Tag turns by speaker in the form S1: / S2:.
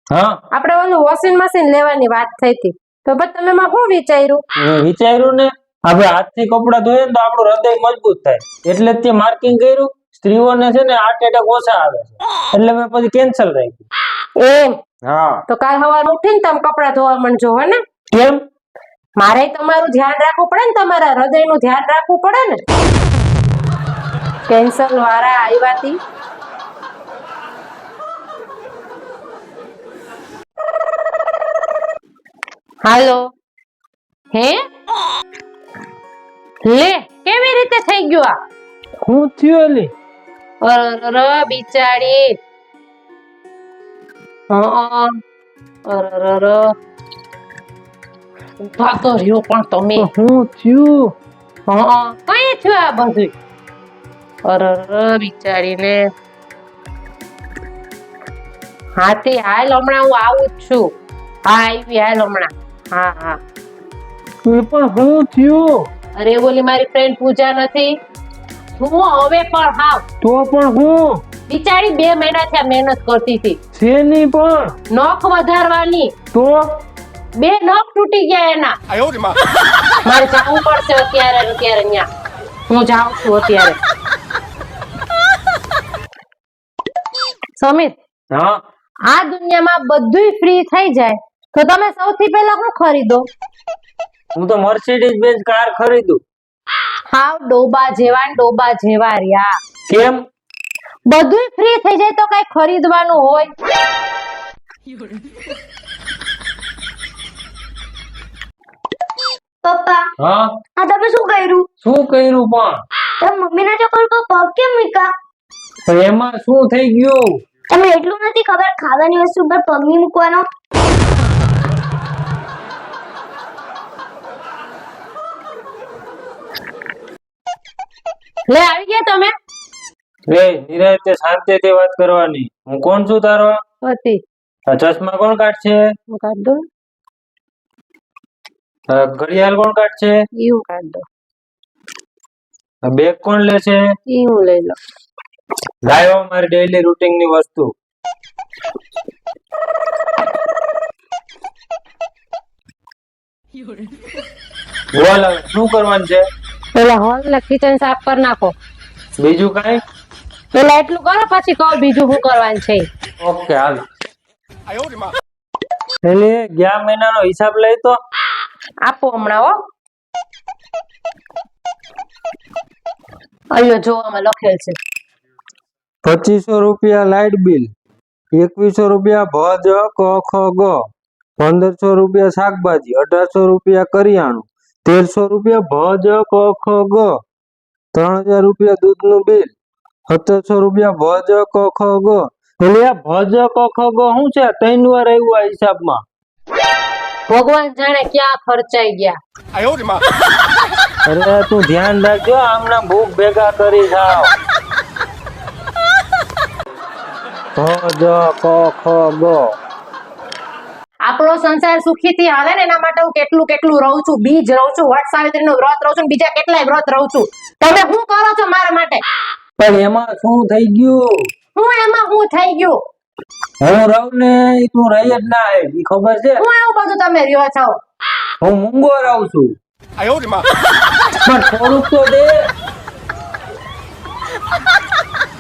S1: હા
S2: આપણે ઓલું વોશિંગ મશીન લેવાની વાત થઈ હતી તો પછી તમે માં શું વિચાર્યું?
S1: મેં વિચાર્યું ને આપણે હાથથી કપડા ધોઈએ ને તો આપણું હૃદય મજબૂત થાય એટલે જ તે માર્કિંગ કર્યું. સ્ત્રીઓને છે ને હાર્ટ એટેક ઓછા આવે છે એટલે મેં પછી કેન્સલ રાખ્યું.
S2: એમ
S1: હા
S2: તો કાલ સવારે ઉઠીને તમે કપડા ધોવા માંડજો હો ને.
S1: કેમ?
S2: મારે તમારું ધ્યાન રાખવું પડે ને, તમારા હૃદયનું ધ્યાન રાખવું પડે ને. કેન્સર વાળા આવ્યા તી. હાલો હે લે કેવી રીતે થઈ ગયું આ?
S1: હું થયું એલી?
S2: અરર બિચારી. અરર ઉભા તો રહ્યો પણ તમે.
S1: હું થયું?
S2: કઈ થયું આ બધું? અરર બિચારીને. હાથી હાલ હમણાં હું આવું જ છું. હા આવી હાલ હમણાં. હા હા
S1: પણ હું થયું?
S2: અરે બોલી મારી ફ્રેન્ડ પૂજા નથી હું હવે પણ હાવ
S1: તો પણ હું
S2: બિચારી 2 મહિનાથી આ મહેનત કરતી હતી.
S1: શેની પણ?
S2: નખ વધારવાની.
S1: તો
S2: 2 નખ તૂટી ગયા એના. મારે જવું પડશે અત્યારે ન્યા. હું જાઉં છું અત્યારે. સમીર
S1: હા
S2: આ દુનિયામાં બધુંય ફ્રી થઈ જાય તો તમે સૌથી પહેલા શું ખરીદો?
S1: હું તો મર્સિડીઝ બેન્ઝ કાર ખરીદું.
S2: હાવ ડોબા જેવા રહ્યા.
S1: કેમ?
S2: બધુંય ફ્રી થઈ જાય તો કઈ ખરીદવાનું હોય?
S3: પપ્પા
S1: હા
S3: આ તમે શું કર્યું?
S1: શું કર્યું પણ?
S3: તમે મમ્મીના ચપ્પલ પર પગ કેમ મૂક્યા?
S1: પણ એમાં શું થઈ ગયું?
S3: તમને એટલું નથી ખબર ખાવાની વસ્તુ પર પગ નહીં મૂકવાનો?
S2: લે આવી ગયા તમે?
S1: રે નિરાંતે શાંતિથી વાત કરવાની. હું કોણ છું તારો?
S2: હતી
S1: આ ચશ્મા કોણ કાઢશે?
S2: હું કાઢ દો.
S1: આ ઘડિયાળ કોણ કાઢશે?
S2: ઈ હું કાઢ દો.
S1: આ બેગ કોણ લેશે?
S2: ઈ હું લઈ લો.
S1: લાવ્યો મારી ડેઈલી રૂટીન ની વસ્તુ. બોલ હવે શું કરવાનું છે?
S2: પેલા હોલ ને કિચન સાફ કરી નાખો.
S1: બીજું કઈ?
S2: પેલા એટલું કરો પછી કહો બીજું શું કરવાનું છે.
S1: ઓકે હાલ. એટલે ગયા મહિનાનો હિસાબ લઈ તો
S2: આપો હમણાં હો. અહીંયા જોવામાં લખેલ છે
S1: 2500 રૂપિયા લાઇટ બિલ, 2100 રૂપિયા ભજ ક ખ ગ, 1500 રૂપિયા શાકભાજી, 1800 રૂપિયા કરિયાણું, 1300 રૂપિયા ભજ ક ખ ગ, 3000 રૂપિયા દૂધનું બિલ, 1700 રૂપિયા ભજ ક ખ ગ. એટલે આ ભજ ક ખ ગ શું છે? 3 વાર આવ્યું આ હિસાબમાં.
S2: ભગવાન જાણે ક્યાં ખર્ચાઈ ગયા.
S1: અરે તું ધ્યાન રાખજો, આમના ભૂખ ભેગા કરી જાવ. ભજ ક ખ ગ.
S2: આપણો સંસાર સુખીથી હાલે ને એના માટે હું કેટલું રહું છું. બીજ રહું છું, વટ સાવિત્રીનું વ્રત રહું છું, બીજા કેટલાય વ્રત રહું છું. તમે શું કરો છો મારા માટે?
S1: પણ એમાં શું થઈ ગયું?
S2: એમાં શું થઈ ગયું?
S1: હું રહું ને ઈ તું રહી જ ના હે, ઈ ખબર છે?
S2: હું એવું બધું તમે રહ્યો છો?
S1: હું મૂંગો રહું છું. પણ થોડુંક તો દે.